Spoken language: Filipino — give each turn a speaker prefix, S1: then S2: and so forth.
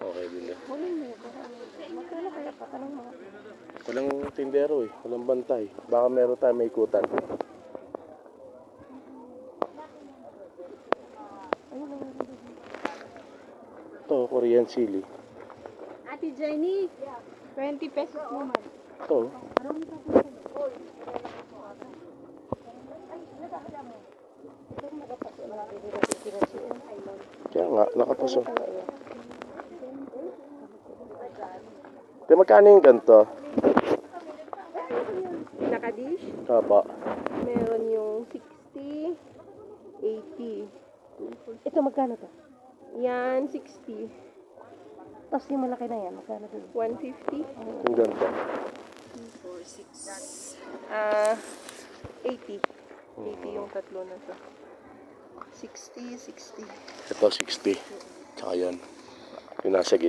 S1: Okay, bili.
S2: Magkano kaya patanong mo?
S1: Walang tindero eh. Walang bantay. Baka meron tayo may ikutan. Ito, Korean chili.
S2: Ate Jenny, 20 pesos naman.
S1: Ito. Kaya nga, nakapaso. Pero magkano yung ganito?
S2: Nakadish,
S1: Kapa.
S2: meron yung 60, 80.
S3: Ito magkano to?
S2: Yan, 60.
S3: Tapos yung malaki na yan, magkano to?
S2: 150.
S1: Yung ganito.
S2: 80. 80 yung tatlo na to. 60, 60.
S1: Ito, 60. Tsaka yan. Yung nasa gitna.